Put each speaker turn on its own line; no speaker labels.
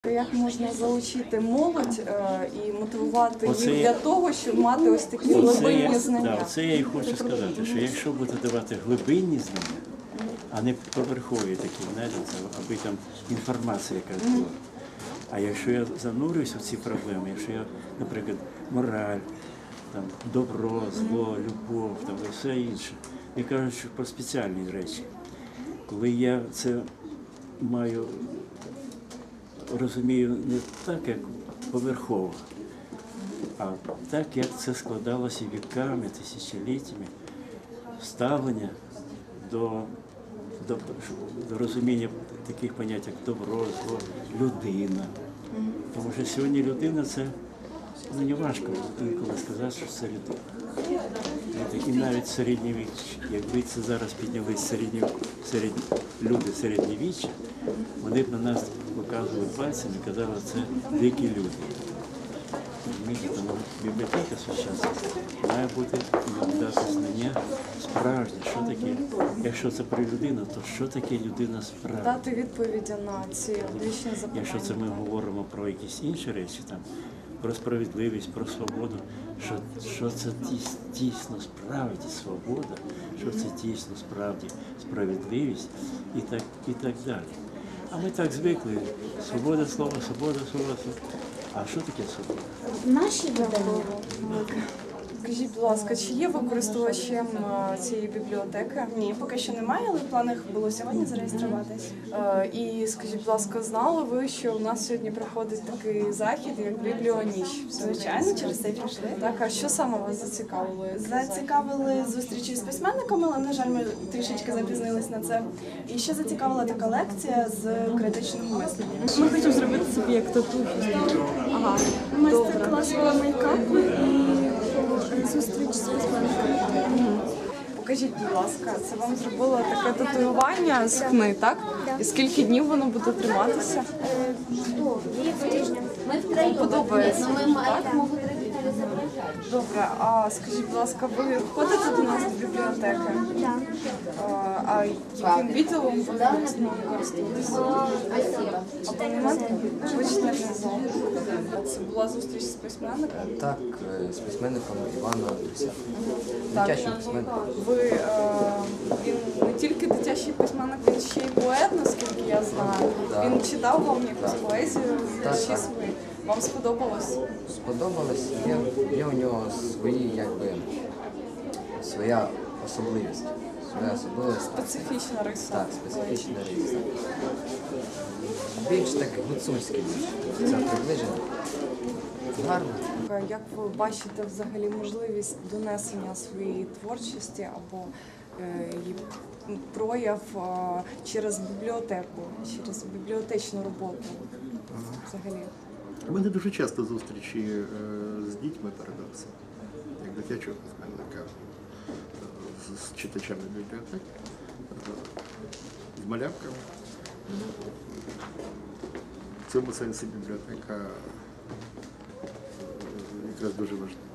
Як можна залучити молодь і мотивувати їх для того, щоб мати ось такі глибинні знання?
Це я і хочу сказати, що якщо будете давати глибинні знання, а не поверхові такі, знаєте, аби там інформація якась була. А якщо я занурююсь в ці проблеми, якщо я, наприклад, мораль, там, добро, зло, любов там, і все інше, я кажу, що про спеціальні речі. Коли я це розумію не так, як поверхово, а так, як це складалося віками, тисячоліттями, ставлення до розуміння таких понять, як добро, зло, людина. Тому що сьогодні людина – це не важко інколи сказати, що це людина. І навіть середньовіччя, якби це зараз піднялись люди середньовіччя, вони б на нас показували пальцями і казали, що це дикі люди. Тому бібліотека сучасна має бути дати знання справжнє, що таке, якщо це про людину, то що таке людина справжня?
Дати відповіді на ці вічні запитання.
Якщо це ми говоримо про якісь інші речі, там, про справедливість, про свободу, що це дійсно справді свобода, що це дійсно справді справедливість і так далі. А ми так звикли, свобода слова, свобода слова. А що таке свобода?
Наші видання.
Скажіть, будь ласка, чи є ви користувачем цієї бібліотеки?
Ні, поки що немає, але в планах було сьогодні зареєструватись.
І скажіть, будь ласка, знали ви, що у нас сьогодні проходить такий захід, як Бібліоніч?
Звичайно, через це й прийшли.
Так, а що саме вас зацікавило?
Зацікавили зустрічі з письменниками, але, на жаль, ми трішечки запізнились на це. І ще зацікавила така лекція з критичного мислення.
Ми хочемо зробити собі як татухи. Ага,
Майстер-клас мейкапу і зустріч з письменниками.
Покажіть, будь ласка, це вам зробило таке татуювання з хни, так? І скільки днів воно буде триматися?
Ми втроєм.
Подобається.
Ми маємо регіоналізувати.
Добре, а скажіть, будь ласка, ви ходите до нас до бібліотеки?
Так.
А яким відділом ви користуєтеся? Абонементом? Ви читаєте зал? Це була зустріч з письменником?
Так, з письменником Іваном Андрусяком. Дитячим письменником.
Він не тільки дитячий письменник, він ще й поет, наскільки я знаю.
Так.
Він читав вам якусь поезію,
Так,
вірші
так.
свої. Вам сподобалось?
Сподобалось, є у нього своя особливість.
Специфічна риса.
Так, специфічна риса. Більш так гуцульський, це приближено. Гарно.
Як ви бачите взагалі можливість донесення своєї творчості або її прояв через бібліотеку, через бібліотечну роботу взагалі?
У мене дуже часто зустрічі з дітьми передався, як дитячого письменника, з читачами бібліотек, з малявками. В цьому сенсі бібліотека якраз дуже важлива.